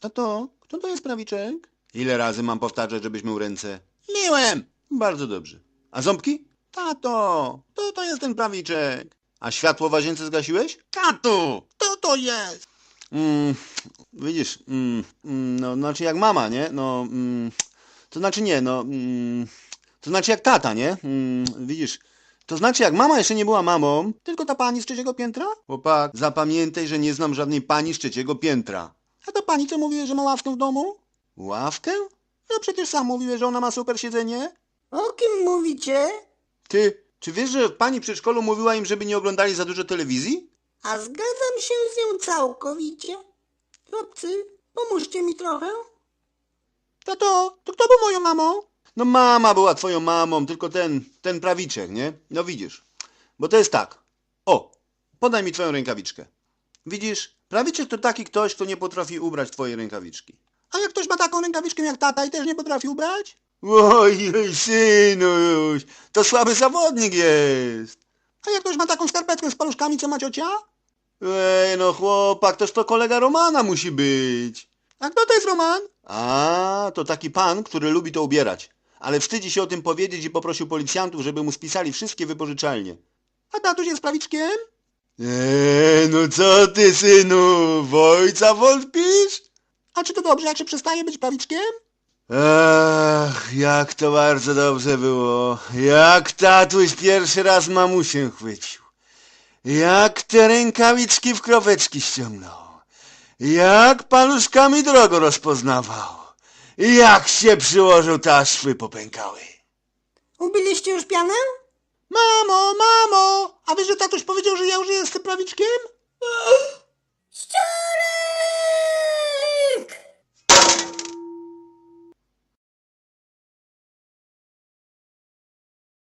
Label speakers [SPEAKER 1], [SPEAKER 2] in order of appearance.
[SPEAKER 1] Tato, kto to jest prawiczek? Ile razy mam powtarzać, żebyś mył ręce? Myłem! Bardzo dobrze. A ząbki? Tato, to jest ten prawiczek. A światło w łazience zgasiłeś? Tato, kto to jest? Widzisz, no, znaczy jak mama, nie? No, to znaczy nie, no, to znaczy jak tata, nie? Widzisz, to znaczy jak mama jeszcze nie była mamą, tylko ta pani z trzeciego piętra? Chłopak, zapamiętaj, że nie znam żadnej pani z trzeciego piętra. A ta pani co mówiła, że ma ławkę w domu? Ławkę? No przecież sam mówiłeś, że ona ma super siedzenie.
[SPEAKER 2] O kim mówicie?
[SPEAKER 1] Ty, czy wiesz, że pani w przedszkolu mówiła im, żeby nie oglądali za dużo telewizji?
[SPEAKER 2] A zgadzam się z nią całkowicie. Chłopcy, pomóżcie mi trochę.
[SPEAKER 1] Tato, to kto był moją mamą? No mama była twoją mamą, tylko ten prawiczek, nie? No widzisz, bo to jest tak. O, podaj mi twoją rękawiczkę. Widzisz, prawiczek to taki ktoś, kto nie potrafi ubrać twojej rękawiczki. A jak ktoś ma taką rękawiczkę jak tata i też nie potrafi ubrać? Oj, synuś, to słaby zawodnik jest. A jak ktoś ma taką skarpetkę z paluszkami, co ma ciocia? Ej, no chłopak, toż to kolega Romana musi być. A kto to jest Roman? A, to taki pan, który lubi to ubierać. Ale wstydzi się o tym powiedzieć i poprosił policjantów, żeby mu spisali wszystkie wypożyczalnie. A tatuś jest prawiczkiem? No co ty, synu, w ojca wątpisz? A czy to dobrze, jak się przestaje być prawiczkiem? Ach, jak to bardzo dobrze było. Jak tatuś pierwszy raz mamusię chwycił. Jak te rękawiczki w kroweczki ściągnął. Jak paluszkami drogo rozpoznawał. Jak się przyłożył, to aż szwy popękały.
[SPEAKER 2] Ubiliście już pianę?
[SPEAKER 1] Mamo, a wiesz, że tatuś powiedział, że ja już jestem prawiczkiem?
[SPEAKER 2] Szczurek!